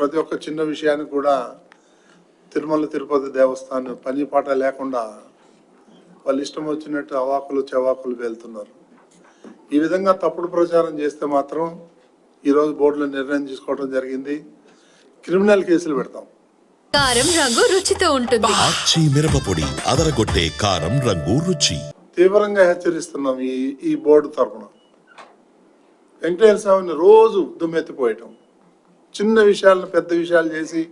ప్రతి ఒక్క చిన్న విషయానికి కూడా తిరుమల తిరుపతి దేవస్థానం పని పాట లేకుండా వాళ్ళు ఇష్టం వచ్చినట్టు అవాకులు చెవాకులు వెళ్తున్నారు. ఈ విధంగా తప్పుడు ప్రచారం చేస్తే మాత్రం ఈరోజు బోర్డులో నిర్ణయం తీసుకోవడం జరిగింది. క్రిమినల్ కేసులు పెడతాం. కారం రంగు రుచితో ఉంటుంది. ఆచి మిరపపొడి అదరగొట్టే కారం రంగు రుచి. తీవ్రంగా హెచ్చరిస్తున్నాం ఈ బోర్డు తరఫున. వెంకటేశ్వర స్వామిని రోజు దుమ్మెత్తిపోయటం, చిన్న విషయాలను పెద్ద విషయాలు చేసి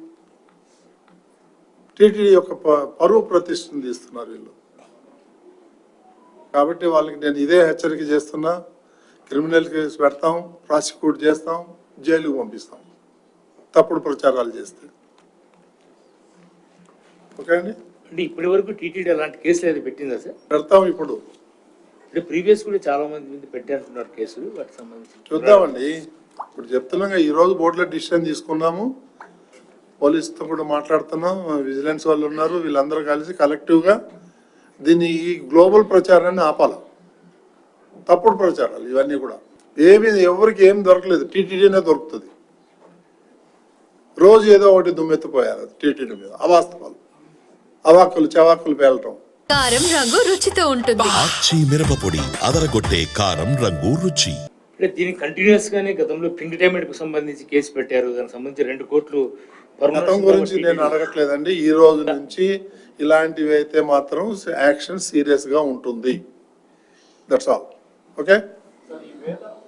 టీటీడీ యొక్క పరువు ప్రతిష్టను తీస్తున్నారు వీళ్ళు. కాబట్టి వాళ్ళకి నేను ఇదే హెచ్చరిక చేస్తున్నా. క్రిమినల్ కేసు పెడతాం, ప్రాసిక్యూట్ చేస్తాం, జైలుకు పంపిస్తాం తప్పుడు ప్రచారాలు చేస్తే. ఓకే అండి. అంటే ఇప్పటి వరకు టీటీడీ అలాంటి కేసులు అయితే పెట్టిందా సార్? పెడతాం. ఇప్పుడు అంటే ప్రీవియస్ కూడా చాలా మంది పెట్టారంటున్నారు కేసులు. వాటికి సంబంధించి చూద్దామండి. ఇప్పుడు చెప్తున్నాగా ఈరోజు బోర్డులో డిసిషన్ తీసుకున్నాము. పోలీసుతో కూడా మాట్లాడుతున్నాం, విజిలెన్స్ వాళ్ళు ఉన్నారు, వీళ్ళందరూ కలిసి కలెక్టివ్గా దీన్ని ఈ గ్లోబల్ ప్రచారాన్ని ఆపాలి. తప్పుడు ప్రచారాలు ఇవన్నీ కూడా ఎవరికి ఏం దొరకలేదు, టీటీడీనే దొరుకుతుంది. రోజు ఏదో ఒకటి దుమ్మెత్తిపోయారు టీటీడీ మీద, అవాస్తవాలు, అవాకులు చెవాకులు పేలటం. కారం రంగు రుచితో ఉంటుంది. ఆచి మిరపపొడి అదరగొట్టే కారం రంగు రుచి. అంటే దీనికి కంటిన్యూస్ గానే గతంలో పింక్ డైమండ్ కు సంబంధించి కేసు పెట్టారు. దానికి సంబంధించి 2 కోట్లు. గతం గురించి నేను అడగట్లేదండి. ఈ రోజు నుంచి ఇలాంటివి అయితే మాత్రం యాక్షన్ సీరియస్ గా ఉంటుంది. That's all. ఓకే.